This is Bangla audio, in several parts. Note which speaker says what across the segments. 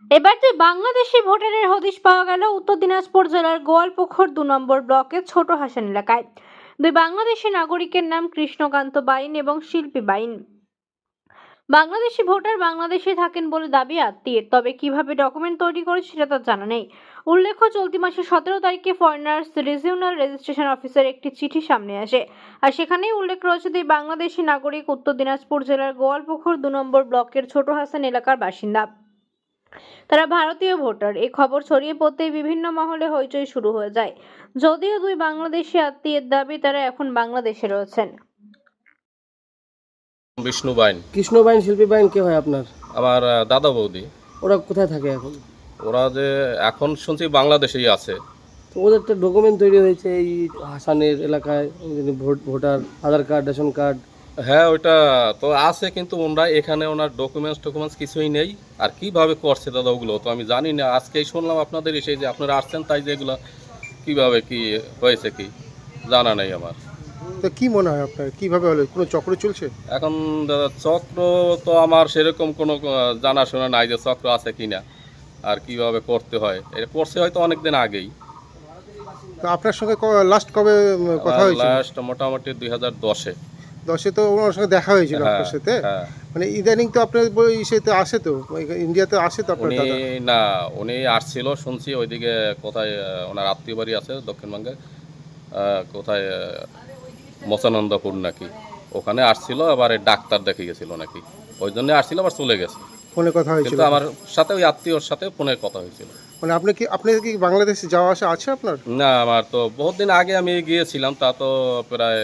Speaker 1: এবার যে বাংলাদেশি ভোটারের হদিশ পাওয়া গেল উত্তর দিনাজপুর জেলার গোয়ালপুকুর 2 নম্বর ব্লকের ছোট হাসান এলাকায়। দুই বাংলাদেশি নাগরিকের নাম কৃষ্ণকান্ত বাইন এবং শিল্পী বাইন। বাংলাদেশি ভোটার বাংলাদেশে থাকেন বলে দাবি আত্মীয়ের, তবে কিভাবে ডকুমেন্ট তৈরি করেছে সেটা তার জানা নেই। উল্লেখ্য, চলতি মাসের 17 তারিখে ফরেনার্স রিজিওনাল রেজিস্ট্রেশন অফিসের একটি চিঠি সামনে আসে, আর সেখানেই উল্লেখ রয়েছে যে বাংলাদেশি নাগরিক উত্তর দিনাজপুর জেলার গোয়ালপুকুর 2 নম্বর ব্লকের ছোট হাসান এলাকার বাসিন্দা। তারা ভারতীয় ভোটার। এই খবর ছড়িয়ে পড়তেই বিভিন্ন মহলে হইচই শুরু হয়ে যায়। যদিও দুই বাংলাদেশি আত্মীয়ের দাবি তারা এখন বাংলাদেশে রয়েছেন।
Speaker 2: বিষ্ণু বাইন।
Speaker 3: কৃষ্ণ বাইন, শিল্পী বাইন কে হয় আপনার?
Speaker 2: আমার দাদা বৌদি।
Speaker 3: ওরা কোথায় থাকে এখন?
Speaker 2: ওরা যে এখন শুনছি বাংলাদেশেই আছে।
Speaker 3: তো ওদের তো ডকুমেন্ট তৈরি হয়েছে এই হাসানের এলাকায়, voter Aadhaar card, ration card.
Speaker 2: হ্যাঁ, ওইটা তো আছে, কিন্তু ওনারা এখানে ওনার ডকুমেন্টস কিছুই নেই। আর কিভাবে করছে দাদা ওগুলো তো আমি জানি না। আজকেই শুনলাম আপনাদের এসে যে আপনারা আসছেন, তাই যে এগুলো কীভাবে কি হয়েছে কি জানা নেই আমার।
Speaker 4: তো কি মনে হয় আপনার, কিভাবে হলো? কোনো চক্র চলছে
Speaker 2: এখন দাদা চক্র তো আমার সেরকম কোনো জানাশোনা নাই যে চক্র আছে কি না, আর কিভাবে করতে হয়। এটা করছে হয়তো অনেক দিন আগেই।
Speaker 4: তো আপনার সঙ্গে লাস্ট কবে কথা হয়েছিল?
Speaker 2: লাস্ট মোটামুটি 2010-এ।
Speaker 4: 10-এ তো ওনার সঙ্গে দেখা হয়েছিল আপনার সাথে।
Speaker 2: হ্যাঁ।
Speaker 4: মানে ইদানিং তো আপনার ইসেতে আসে, তো ইন্ডিয়াতে আসে তো আপনার
Speaker 2: উনি
Speaker 4: দাদা?
Speaker 2: না, উনি আসছিল শুনছি ওইদিকে কোথায় ওনার আত্মীয় বাড়ি আছে দক্ষিণবঙ্গে, কোথায় মচানন্দপুর নাকি, ওখানে আসছিল। আবার ডাক্তার দেখে গেছিল নাকি, ওই জন্য আসছিল, আবার চলে গেছে।
Speaker 4: ফোনে কথা হয়েছিল?
Speaker 2: কিন্তু আমার সাথে ওই আত্মীয়র সাথে ফোনে কথা হয়েছিল।
Speaker 4: মানে আপনি কি বাংলাদেশে যাওয়া আসা আছে আপনার?
Speaker 2: না, আমার তো বহুত দিন আগে আমি গিয়েছিলাম, তা তো প্রায়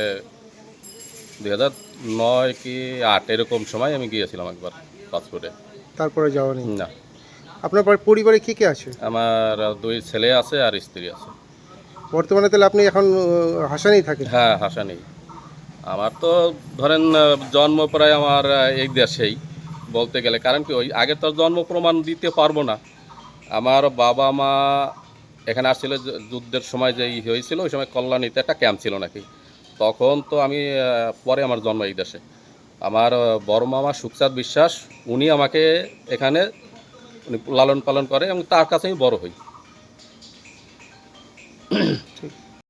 Speaker 2: 2009 কি 8 এরকম সময় আমি গিয়েছিলাম একবার পাসপোর্টে।
Speaker 4: তারপরে যাওয়া নেই?
Speaker 2: না।
Speaker 4: আপনার পরিবারে কে কে আছে?
Speaker 2: আমার 2 ছেলে আছে আর স্ত্রী আছে।
Speaker 4: বর্তমানে তাহলে আপনি এখন হাসানেই থাকেন?
Speaker 2: হ্যাঁ, হাসা নেই। আমার তো ধরেন জন্ম প্রায় আমার এই দেশেই বলতে গেলে, কারণ কি ওই আগে তো জন্ম প্রমাণ দিতে পারবো না। আমার বাবা মা এখানে আসছিল যুদ্ধের সময় যে হয়েছিল, ওই সময় কল্যাণীতে একটা ক্যাম্প ছিল নাকি, তখন তো আমি পরে আমার জন্ম এই দেশে। আমার বড় মামা সুখচাঁদ বিশ্বাস, উনি আমাকে এখানে উনি লালন পালন করে এবং তার কাছে আমি বড় হই।